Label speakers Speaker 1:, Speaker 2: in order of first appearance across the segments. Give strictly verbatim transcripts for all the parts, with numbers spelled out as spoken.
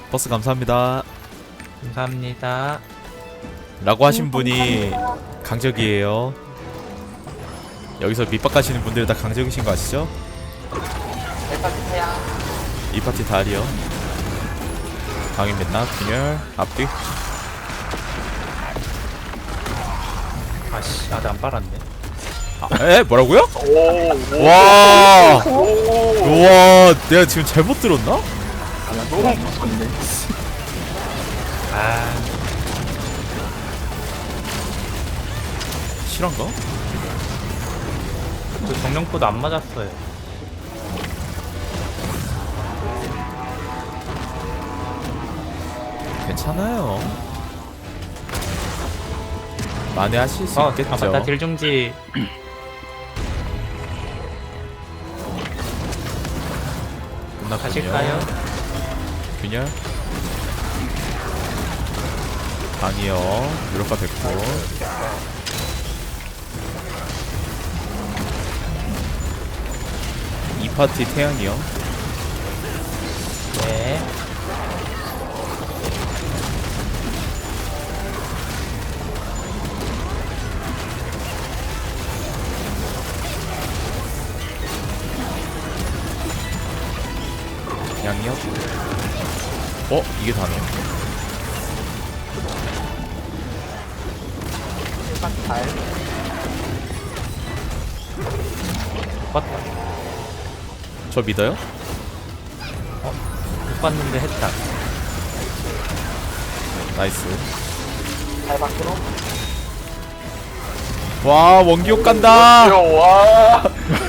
Speaker 1: 버스 감사합니다
Speaker 2: 감사합니다.
Speaker 1: 라고 하신 분이 강적이에요. 여기서 밑밥 가시는 분들 다 강적이신 거 아시죠? 이 파티 다리요. 강인 맨날 균열 앞뒤.
Speaker 2: 아씨, 아직 안 빨았네.
Speaker 1: 아, 에? 뭐라고요?
Speaker 3: 오,
Speaker 1: 와
Speaker 3: 오,
Speaker 1: 우와 내가 지금 잘못 들었나?
Speaker 3: 아, 너무 무섭네.
Speaker 2: 아,
Speaker 1: 실한가?
Speaker 2: 그 정령포도 안 맞았어요.
Speaker 1: 괜찮아요. 만회하실 수
Speaker 2: 어,
Speaker 1: 있겠죠.
Speaker 2: 아 맞다, 딜중지.
Speaker 1: 끝났군요.
Speaker 2: 가실까요?
Speaker 1: 균열 강이요. 유럽가 됐고 이 파티 태양이요.
Speaker 2: 네.
Speaker 1: 양이요. 어? 이게 다네.
Speaker 2: 봤다.
Speaker 1: 저 믿어요?
Speaker 2: 못 봤는데 했다.
Speaker 1: 나이스. 와 원기옥 간다.
Speaker 3: 와.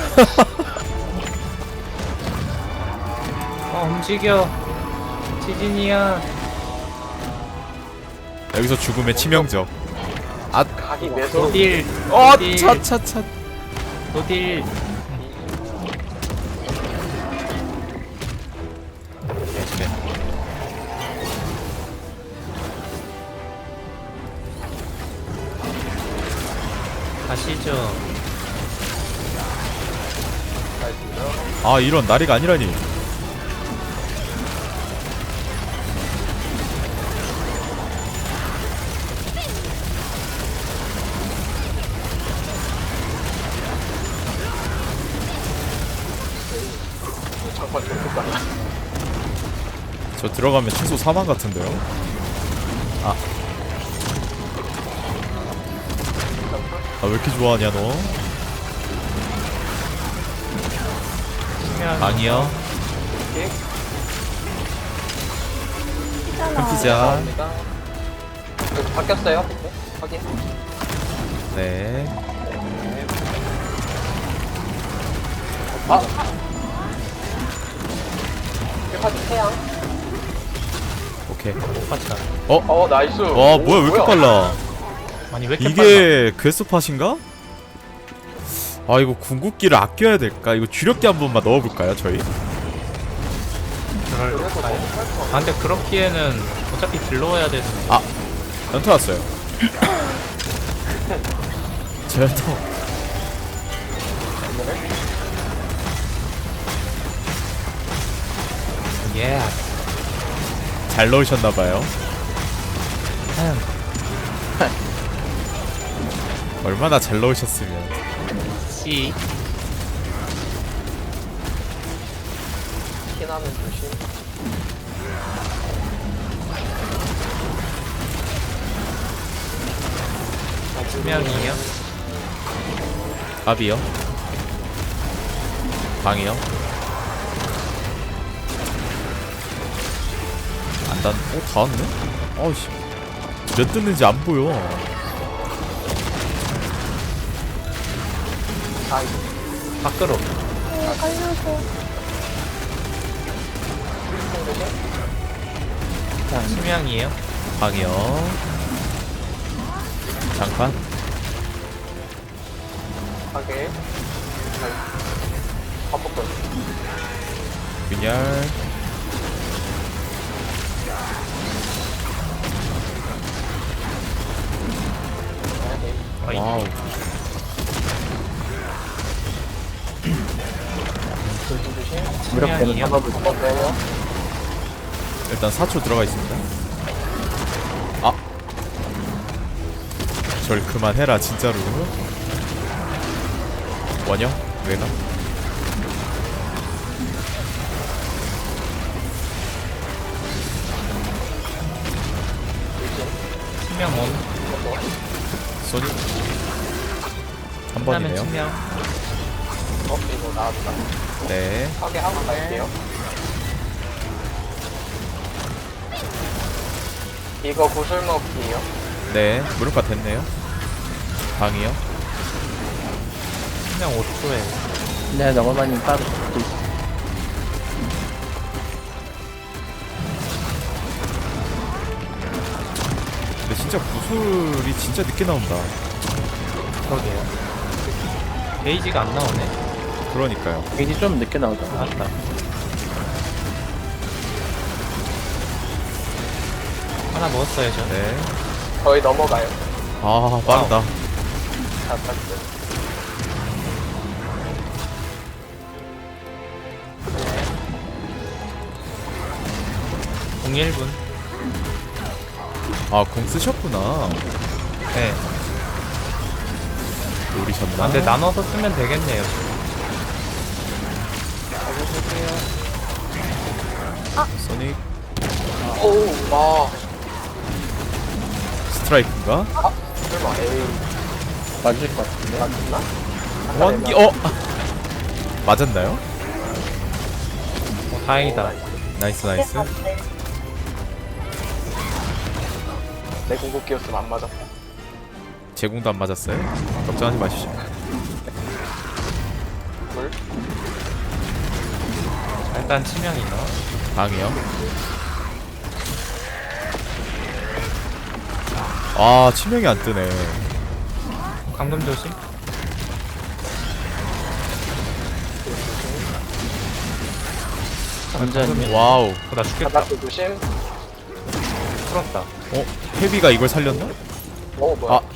Speaker 2: 어, 움직여. 지진이야.
Speaker 1: 여기서 죽음의 치명적. 아,
Speaker 3: 각이 매서.
Speaker 2: 노딜.
Speaker 1: 어,
Speaker 2: 노딜.
Speaker 1: 차차차.
Speaker 2: 노딜.
Speaker 1: 네.
Speaker 2: 가시죠.
Speaker 1: 아 이런 나리가 아니라니.
Speaker 3: 잠깐 좀 볼까?
Speaker 1: 저 들어가면 최소 사망 같은데요. 아. 아 왜 이렇게 좋아하냐 너?
Speaker 2: 수면.
Speaker 1: 강이요. 큰 피자.
Speaker 3: 여기 바뀌었어요? 네, 확인.
Speaker 1: 네.
Speaker 3: 아. 일파티 태양.
Speaker 1: 오케이.
Speaker 2: 못 봤다.
Speaker 1: 어?
Speaker 3: 어, 나이스.
Speaker 1: 와 뭐야 왜 이렇게 빨라?
Speaker 2: 아니, 왜 이렇게
Speaker 1: 이게 퀘스트팟인가? 아 이거 궁극기를 아껴야 될까? 이거 주력기 한 번만 넣어볼까요 저희?
Speaker 2: 빨라? 그럴까요? 아, 근데 그렇기에는 어차피 들러와야 되는.
Speaker 1: 아 연타 왔어요. 제 연타.
Speaker 2: 예.
Speaker 1: 잘 넣으셨나봐요. 얼마나 잘 넣으셨으면.
Speaker 2: 씨.
Speaker 3: 피나면 조심.
Speaker 2: 수명이요.
Speaker 1: 밥이요. 방이요. 안 단. 어? 다 왔네? 아우씨. 몇 뜯는지 안 보여.
Speaker 3: 아,
Speaker 2: 밖으로. 자, 수명이에요.
Speaker 1: 방이요. 장판.
Speaker 3: 하게. 반복권.
Speaker 1: 균열.
Speaker 2: 어이.
Speaker 1: 와우.
Speaker 3: 조심 조심.
Speaker 2: 수명이요.
Speaker 3: 한번 빼요.
Speaker 1: 일단 사 초 들어가 있습니다. 아, 절 그만해라 진짜로. 원형? 왜가?
Speaker 2: 치명 온.
Speaker 1: 소니 한
Speaker 2: 끝나면
Speaker 1: 번이네요.
Speaker 2: 치명.
Speaker 3: 어, 이거 나왔다.
Speaker 1: 네.
Speaker 3: 파괴하고 갈게요. 이거 구슬 먹기요.
Speaker 1: 네, 무릎가 됐네요. 방이요.
Speaker 2: 치명 오 초에.
Speaker 4: 네, 너거만님 따로 붙고 있어.
Speaker 1: 근데 진짜 구슬이 진짜 늦게 나온다.
Speaker 2: 그러게요. 게이지가 안 나오네.
Speaker 1: 그러니까요.
Speaker 4: 이게 좀 늦게 나오잖아.
Speaker 2: 나왔다. 하나 먹었어요, 저.
Speaker 1: 네.
Speaker 3: 거의 넘어가요.
Speaker 1: 아, 빠르다.
Speaker 3: 다 땄어요.
Speaker 2: 공일 분.
Speaker 1: 아, 공 쓰셨구나.
Speaker 2: 네.
Speaker 1: 노리셨나?
Speaker 2: 아, 근데 나눠서 쓰면 되겠네요.
Speaker 1: 소닉
Speaker 3: 오우, 와.
Speaker 1: 스트라이크인가?
Speaker 3: 설마, 에이.
Speaker 4: 맞을 것 같은데.
Speaker 3: 맞나?
Speaker 1: 원기 어 맞았나요?
Speaker 2: 어, 다행이다.
Speaker 1: 나이스 나이스.
Speaker 3: 내 궁극기였으면 안 맞았다.
Speaker 1: 제공도 안 맞았어요. 걱정하지 마시죠.
Speaker 3: 물?
Speaker 2: 일단 치명이 너.
Speaker 1: 방이요. 아, 치명이 안 뜨네.
Speaker 2: 감금 조심.
Speaker 4: 완전히.
Speaker 1: 와우.
Speaker 2: 어, 나 죽겠다.
Speaker 3: 바닥도 조심.
Speaker 2: 풀었다.
Speaker 1: 어, 헤비가 이걸 살렸나?
Speaker 3: 어, 뭐야.
Speaker 1: 아.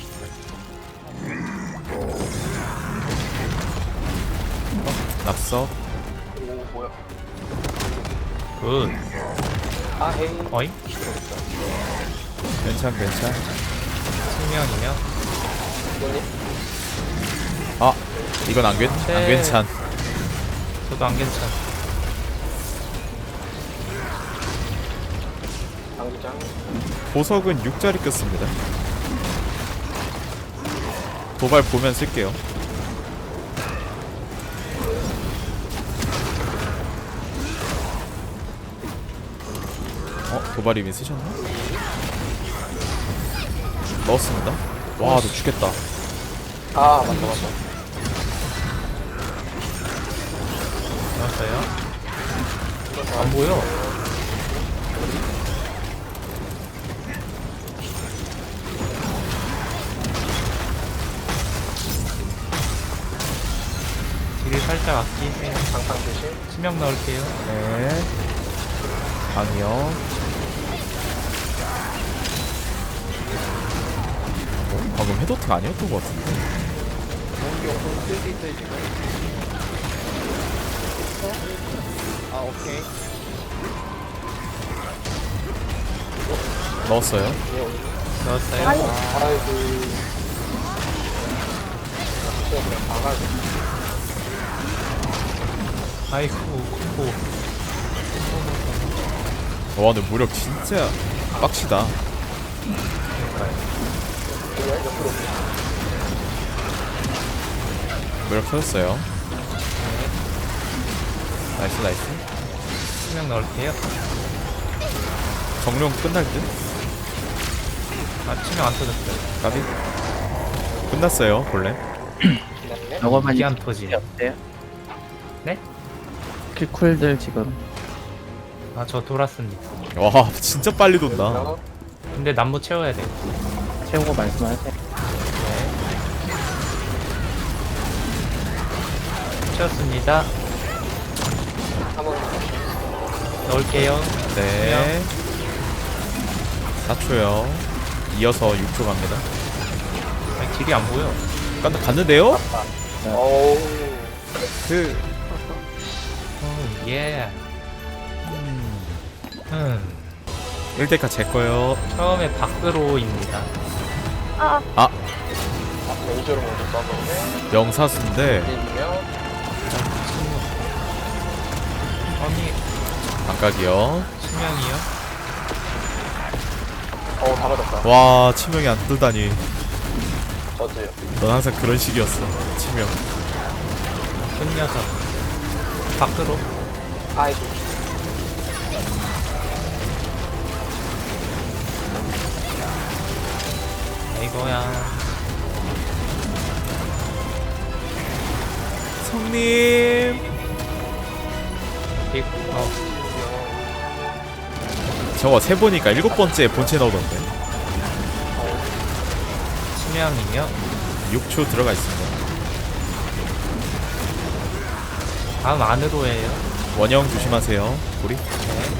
Speaker 1: 낙석.
Speaker 3: 오, 뭐야.
Speaker 2: 굿.
Speaker 3: 아, 헤이.
Speaker 2: 어잉?
Speaker 1: 괜찮 괜찮.
Speaker 2: 치명이면.
Speaker 3: 뭐니?
Speaker 1: 아, 이건 안 괜, 안
Speaker 2: 네.
Speaker 1: 괜찮.
Speaker 2: 저도 안 괜찮.
Speaker 3: 당기장.
Speaker 1: 보석은 육 자리 꼈습니다. 도발 보면 쓸게요. 어? 도발 이미 쓰셨나? 넣었습니다. 와, 너 죽겠다.
Speaker 3: 아, 맞다, 맞다.
Speaker 2: 나왔어요? 안 보여. 딜을 살짝 아끼세요.
Speaker 3: 장판 조심.
Speaker 2: 치명 넣을게요.
Speaker 1: 네. 방이요. 어? 방금 헤더팅 아니었던 것 같은데.
Speaker 3: 공기용품 쓸 수 있어요, 지금. 아, 오케이.
Speaker 1: 넣었어요.
Speaker 3: 예, 오늘.
Speaker 2: 넣었어요.
Speaker 3: 아이고. 진짜 그냥 방아지.
Speaker 2: 아이고, 고.
Speaker 1: 와, 근데 무력 진짜 빡시다.
Speaker 3: 그냥 옆으로.
Speaker 1: 무력 터졌어요. 나이스 나이스.
Speaker 2: 치명 넣을게요.
Speaker 1: 정령 끝날 듯?
Speaker 2: 아, 치명 안 터졌어요.
Speaker 1: 까비? 끝났어요 본래.
Speaker 3: 기다리네.
Speaker 4: 너거만이
Speaker 2: 기안 터지.
Speaker 4: 어때요?
Speaker 2: 네?
Speaker 4: 킬쿨들 지금.
Speaker 2: 아, 저 돌았습니다.
Speaker 1: 와, 진짜 빨리 돈다.
Speaker 3: 그래서
Speaker 2: 근데 남부 채워야 돼.
Speaker 4: 채우고 말씀하세요.
Speaker 2: 채웠습니다.
Speaker 3: 한번
Speaker 2: 넣을게요.
Speaker 1: 네. 사 초요. 이어서 육 초 갑니다.
Speaker 2: 아니, 길이 안 보여.
Speaker 1: 간, 갔는데요?
Speaker 3: 어우.
Speaker 1: 그...
Speaker 2: 오, 예.
Speaker 1: 음...
Speaker 2: 음.
Speaker 1: 일 대카 제 거요.
Speaker 2: 처음에 밖으로입니다.
Speaker 5: 아,
Speaker 1: 아,
Speaker 3: 아, 레이저로 먼저 써보네.
Speaker 1: 영사수인데
Speaker 3: 일이면
Speaker 2: 아니
Speaker 1: 안각이요.
Speaker 2: 치명이요?
Speaker 3: 어우, 다 맞았다.
Speaker 1: 와, 치명이 안 뜨다니.
Speaker 3: 저도요.
Speaker 1: 넌 항상 그런 식이었어. 치명.
Speaker 2: 큰 녀석. 밖으로.
Speaker 3: 아이고.
Speaker 2: 이거야.
Speaker 1: 성님.
Speaker 2: 빅. 어.
Speaker 1: 저거 세 보니까 일곱 번째 본체 나오던데.
Speaker 2: 치명이요?
Speaker 1: 육 초 들어가 있습니다.
Speaker 2: 다음 안으로 해요.
Speaker 1: 원형 조심하세요. 우리.
Speaker 2: 네.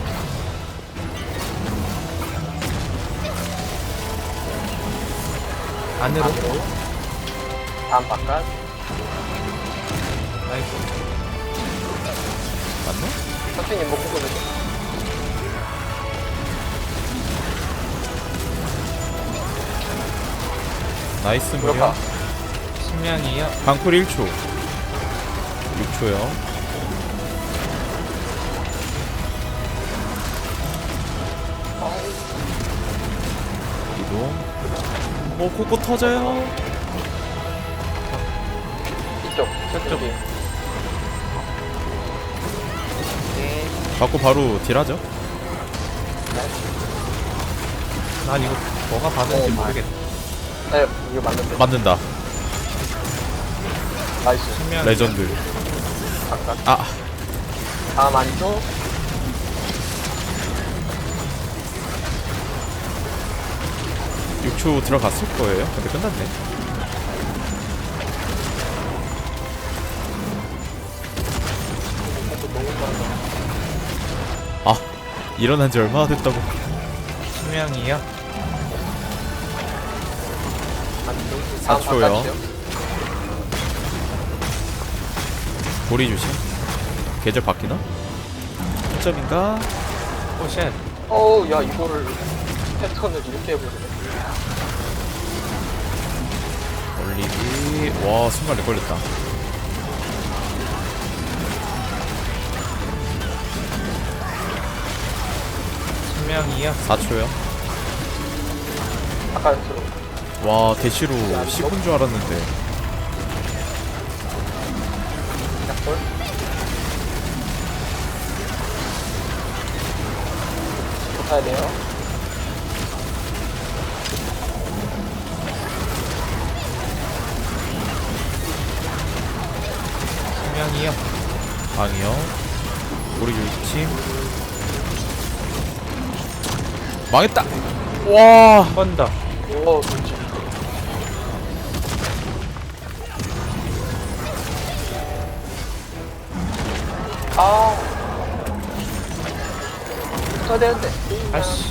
Speaker 2: 안으로.
Speaker 3: 안으로. 다음 바깥.
Speaker 2: 아이고.
Speaker 1: 맞나?
Speaker 3: 선생님 뭐 보거든요.
Speaker 1: 나이스 무려.
Speaker 3: 무력화.
Speaker 2: 치명이요?
Speaker 1: 방풀 일 초. 육 초요. 이동. 어, 코코 터져요.
Speaker 3: 이쪽. 저쪽. 네.
Speaker 1: 받고 바로 딜하죠.
Speaker 2: 난 이거 뭐가 받은지
Speaker 3: 어,
Speaker 2: 모르겠다.
Speaker 3: 네, 이거 맞는데.
Speaker 1: 맞는다.
Speaker 3: 나이스.
Speaker 2: 치명.
Speaker 1: 레전드.
Speaker 3: 바깥.
Speaker 1: 아,
Speaker 3: 다음 안쪽.
Speaker 1: 육 초 들어갔을 거예요. 근데 끝났네.
Speaker 3: 이것도 너무 빠르다.
Speaker 1: 아, 일어난 지 얼마나 됐다고.
Speaker 2: 치명이요?
Speaker 3: 안쪽.
Speaker 1: 사
Speaker 3: 다음
Speaker 1: 초요.
Speaker 3: 바깥이요.
Speaker 1: 보리 조심. 계절 바뀌나? 몇 점인가?
Speaker 2: 오쉣.
Speaker 3: 어우, 야, 이거를 패턴을 이렇게 해보네.
Speaker 1: 올리기. 와, 순간 렉 걸렸다.
Speaker 2: 치명이요?
Speaker 1: 사 초요.
Speaker 3: 바깥으로.
Speaker 1: 와, 대시로 십 분 줄 알았는데.
Speaker 3: 약골. 붙어야 돼요.
Speaker 2: 치명이요?
Speaker 1: 방이요. 보리 조심. 망했다. 와,
Speaker 2: 한 번 더.
Speaker 3: 오, 그렇지. 아. 붙어야 되는데.
Speaker 2: 아씨.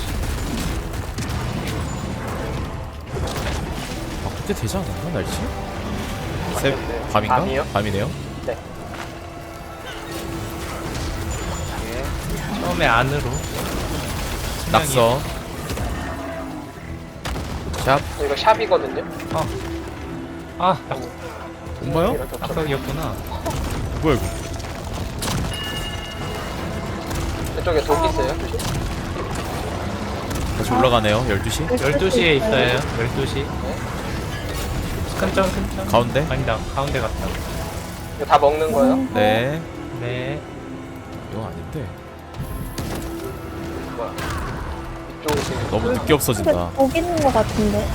Speaker 1: 아, 그때 되지 않았나 날씨? 새 밤인가?
Speaker 3: 밤이요?
Speaker 1: 밤이네요.
Speaker 3: 네. 예.
Speaker 2: 처음에 안으로. 치명이요?
Speaker 1: 낙서. 샵.
Speaker 3: 이거 샵이거든요.
Speaker 2: 아, 낙,
Speaker 1: 뭔가요?
Speaker 3: 이렇게 없어.
Speaker 2: 낙석이었구나.
Speaker 1: 뭐야 이거?
Speaker 3: 이쪽에 독 있어요.
Speaker 1: 다시 올라가네요. 열두 시.
Speaker 2: 열두 시에 있어요. 열두 시. 큰점, 큰점.
Speaker 1: 가운데.
Speaker 2: 아니다, 가운데 갔다.
Speaker 3: 이거 다 먹는 거예요?
Speaker 1: 네.
Speaker 2: 네.
Speaker 1: 이거 아닌데.
Speaker 3: 뭐야? 이쪽으로 지금
Speaker 1: 너무 늦게
Speaker 5: 근데
Speaker 1: 없어진다.
Speaker 5: 독 있는 것 같은데.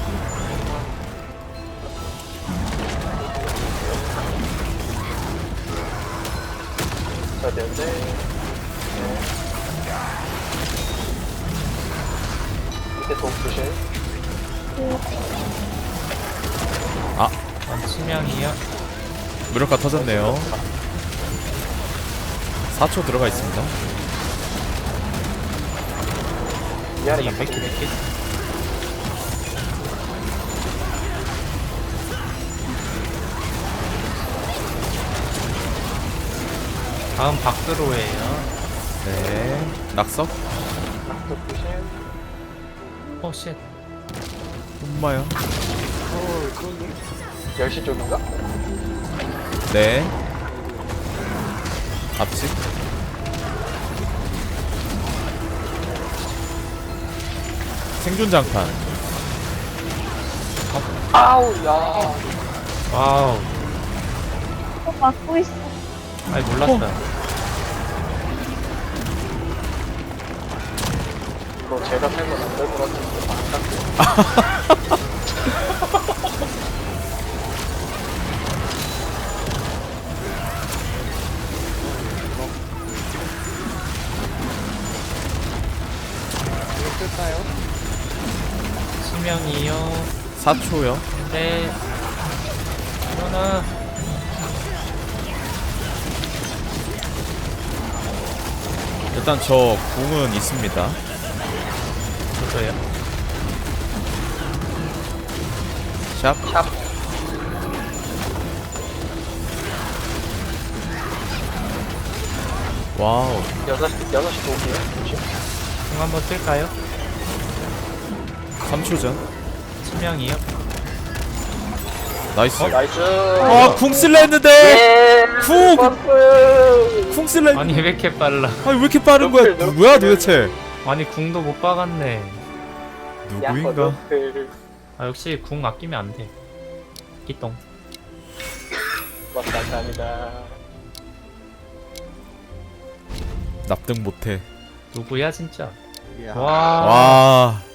Speaker 3: 붙어야 되는데. 네. 밑에 독 조심.
Speaker 1: 아,
Speaker 2: 전 치명이요.
Speaker 1: 무력화 터졌네요. 사 초 들어가 있습니다.
Speaker 3: 미안해.
Speaker 2: 아니, 몇 개, 몇 개? 다음 밖으로 해요.
Speaker 1: 네. 낙석.
Speaker 3: 바닥 조심.
Speaker 2: 어 쉣.
Speaker 1: 엄마야.
Speaker 3: 어, 그러니? 열 시 쪽인가?
Speaker 1: 네. 앞집. 생존 장판.
Speaker 3: 아우, 야.
Speaker 2: 와우.
Speaker 5: 어, 막고 있어.
Speaker 2: 아이 몰랐다.
Speaker 3: 이거 제가 살면 안 될 것 같은데, 안타깝게. 이거 쓸까요?
Speaker 2: 치명이요.
Speaker 1: 사 초요.
Speaker 2: 네. 일어나.
Speaker 1: 일단 저 궁은 있습니다.
Speaker 2: 저도요.
Speaker 1: 샵.
Speaker 3: 샵.
Speaker 1: 와우.
Speaker 3: 여섯 시, 여섯 시 도기요. 조심.
Speaker 2: 궁 한번 쓸까요?
Speaker 1: 삼 초 전.
Speaker 2: 치명이요.
Speaker 1: 나이스.
Speaker 3: 나이스.
Speaker 1: 아, 궁 쓸라 했는데.
Speaker 3: 예.
Speaker 1: 쿵!
Speaker 3: 버프.
Speaker 1: 궁 쓸라 했는데.
Speaker 2: 아니 왜 이렇게 빨라?
Speaker 1: 아니 왜 이렇게 빠른 거야?
Speaker 3: 너플,
Speaker 1: 누구야
Speaker 3: 너플.
Speaker 1: 도대체?
Speaker 2: 아니 궁도 못 박았네.
Speaker 1: 누구인가?
Speaker 3: 야거들.
Speaker 2: 아 역시 궁 아끼면 안 돼. 끼똥.
Speaker 3: 감사합니다.
Speaker 1: 납득 못해.
Speaker 2: 누구야 진짜?
Speaker 3: 야.
Speaker 2: 와.
Speaker 1: 와.